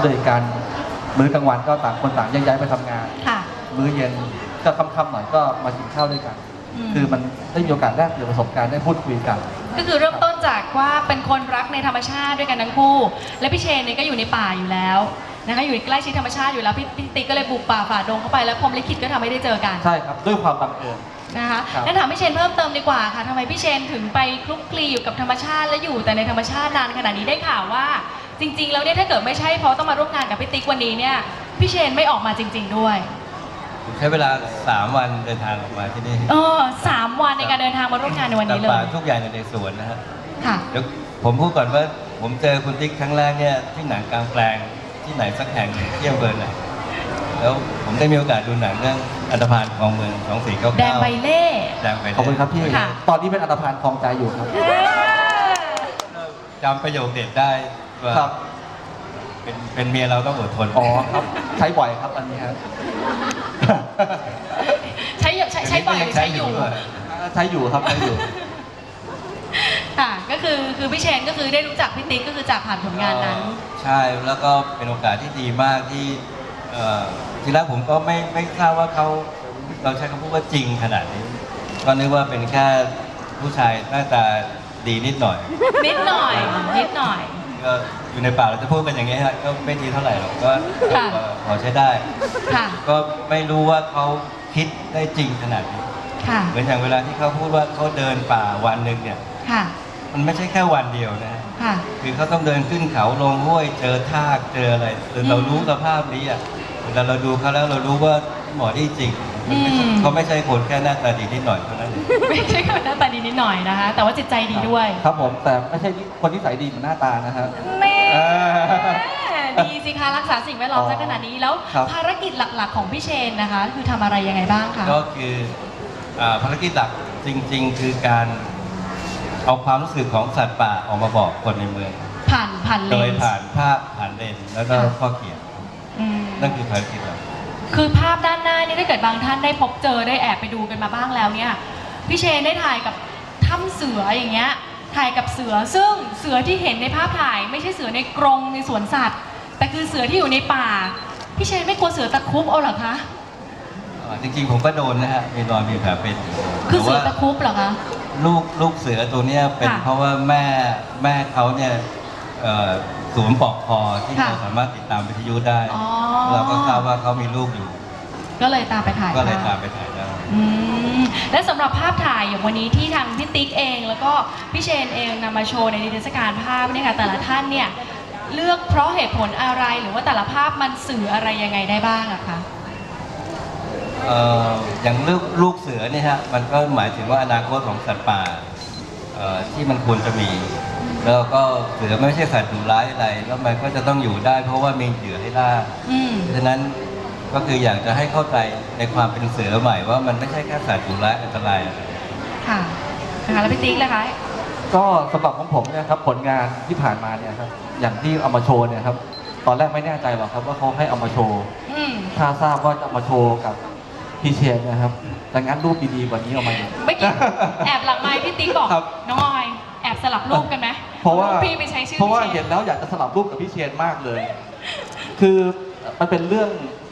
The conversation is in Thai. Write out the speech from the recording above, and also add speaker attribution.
Speaker 1: ด้วยกันมื้อกลางวันก็ต่างคนต่างแยกย้ายไปทำงานมื้อเย็นก็ค่ำๆหน่อยก็มากินข้าวด้วยกันคือมันได้มีโอกาสแลกเปลี่ยนประสบการณ์ได้พูดคุยกัน
Speaker 2: ก็คือเริ่มต้นจากว่าเป็นคนรักในธรรมชาติด้วยกันทั้งคู่และพี่เชนเนี่ยก็อยู่ในป่าอยู่แล้วนะคะอยู่ใกล้ชิดธรรมชาติอยู่แล้วพี่ติ๊กก็เลยบุกป่าฝ่าดงเข้าไปแล้วพรหมลิขิตก็ทำให้ได้เจอกัน
Speaker 1: ใช่ครับด้วยความบังเอิญ
Speaker 2: นะคะงั้นถามพี่เชนเพิ่มเติมดีกว่าค่ะทำไมพี่เชนถึงไปคลุกคลีอยู่กับธรรมชาติและอยู่แต่ในธรรมชาตินานขนาดนี้ได้ข่าวว่าจริงๆแล้วเนี่ยถ้าเกิดไม่ใช่เพราะต้องมาร่วมงานกับพี่ติ๊กวันนี้เนี่ยพี่เชนไม่ออกมาจริงๆด้วย
Speaker 3: ใช้เวลา3 วันเดินทางออกมาที่นี่
Speaker 2: 3 วันในการเดินทางมาร่วมงานในวันนี้เลย
Speaker 3: ทุกอย่างอยู่ในสวนนะฮะ
Speaker 2: ค่ะ
Speaker 3: เดี๋ยวผมพูดก่อนว่าผมเจอคุณติ๊กครั้งแรกเนี่ยที่หนังกลางแปลงที่ไหนสักแห่งที่อำเภอไหนแล้วผมได้มีโอกาสดูหนังเรื่องอันธพาลของเมือง2499
Speaker 2: แดงใบเล่
Speaker 3: แดงใบเล่
Speaker 1: ขอบคุณครับพี่ตอนนี้เป็นอันธพาลคลองใจอยู่ครับ
Speaker 3: จำประโยคเด็ดได้ว่าเป็นเมียเราต้องอดทน
Speaker 1: อ๋อครับใช้บ่อยครับอันนี้ครับ
Speaker 2: ใช้บ่อยหรือใช้อยู่
Speaker 1: ใช้อยู่ครับใช้อยู่
Speaker 2: ค่ะก็คือพี่เชนก็คือได้รู้จักพี่ติ๊กก็คือจากผ่านผลงานนั้น
Speaker 3: ใช่แล้วก็เป็นโอกาสที่ดีมากที่ทีแรกผมก็ไม่ทราบว่าเราใช้คำพูดว่าจริงขนาดนี้ก็นึกว่าเป็นแค่ผู้ชายหน้าตาดีนิดหน่อยก็อยู่ในป่าเราจะพูดกันอย่างนี้ฮะก็ไม่ดีเท่าไหร่หรอกก็พอใช้ได้ก็ไม่รู้ว่าเขาคิดได้จริงขนาดนี้เหมือนอย่างเวลาที่เขาพูดว่าเขาเดินป่าวันหนึ่งเนี่ยมันไม่ใช่แค่วันเดียวนะคือเขาต้องเดินขึ้นเขาลงห้วยเจอทากเจออะไรเรารู้สภาพนี้อ่ะเวลาเราดูเขาแล้วเรารู้ว่าหมอที่จริงเขาไม่ใช่คนแค่หน้าตาดีนิดหน่อยเท่านั้นเอง
Speaker 2: ไม่ใช่คนหน้าตาดีนิดหน่อยนะคะแต่ว่าจิตใจดีด้วย
Speaker 1: ครับผมแต่ไม่ใช่คนที่ใส่ดีเหมือนหน้าตานะครับ
Speaker 2: ดีสิคะรักษาสิ่งแวดล้อมซะขนาดนี้แล้วภารกิจหลักๆของพี่เชนนะคะคือทำอะไรยังไงบ้างคะ
Speaker 3: ก็คือภารกิจหลักจริงๆคือการเอาความรู้สึกของสัตว์ป่าออกมาบอกคนในเมือง
Speaker 2: ผ่านเลน
Speaker 3: โดยผ่านภาพผ่านเลนแล้วก็ข้อเขียนนั่นคือภารกิจหลัก
Speaker 2: คือภาพด้านหน้านี่ถ้าเกิดบางท่านได้พบเจอได้แอบไปดูกันมาบ้างแล้วเนี่ยพี่เชนได้ถ่ายกับถ้ำเสืออย่างเงี้ยถ่ายกับเสือซึ่งเสือที่เห็นในภาพถ่ายไม่ใช่เสือในกรงในสวนสัตว์แต่คือเสือที่อยู่ในป่าพี่เชนไม่กลัวเสือตะครุบเอาหรอคะ
Speaker 3: จริงๆผมก็โดนนะฮะมีรอยมีแผลเป็น
Speaker 2: คือเสือตะครุบเหรอคะ
Speaker 3: ลูกเสือตัวเนี้ยเป็นเพราะว่าแม่เขาเนี่ยสวมปลอกคอที่เราสามารถติดตามวิทยุได้เราก็ทราบว่าเขามีลูกอยู่
Speaker 2: ก็เลยตามไปถ่าย
Speaker 3: ได้
Speaker 2: และสำหรับภาพถ่ายอย่างวันนี้ที่ทางพี่ติ๊กเองแล้วก็พี่เชนเองนำมาโชว์ในนิทรรศการภาพเนี่ยค่ะแต่ละท่านเนี่ยเลือกเพราะเหตุผลอะไรหรือว่าแต่ละภาพมันสื่ออะไรยังไงได้บ้างอะคะ
Speaker 3: อย่างลูกเสือเนี่ยฮะมันก็หมายถึงว่าอนาคตของสัตว์ป่าที่มันควรจะมีแล้วก็เสือไม่ใช่สัตว์ดุร้ายอะไรแล้วมันก็จะต้องอยู่ได้เพราะว่ามีเหยื่อให้ล่าฉะนั้นก็คืออยากจะให้เข้าใจในความเป็นเสือใหม่ว่ามันไม่ใช่แค่สัตว์ดุร้ายอันตราย
Speaker 2: ค่ะแล้วพี่ติ๊กล่ะคะ
Speaker 1: ก็สำหรับของผมเนี่ยครับผลงานที่ผ่านมาเนี่ยครับอย่างที่เอามาโชว์เนี่ยครับตอนแรกไม่แน่ใจหรอกครับว่าเขาให้เอามาโชว์ถ้าทราบว่าจะมาโชว์กับพี่เชนนะครับแต่งั้นรูปดีๆกว่านี้เอามา
Speaker 2: เมื่อกี้แอบหลังไมค์พี่ติ๊กบอกน้องออยแอบสลับรูปกันไหม
Speaker 1: เพราะว่า
Speaker 2: พี่ไปใช้ชื่อ
Speaker 1: เพราะว่าเห็นแล้วอยากจะสลับรูปกับพี่เชนมากเลยคือมันเป็นเรื่อง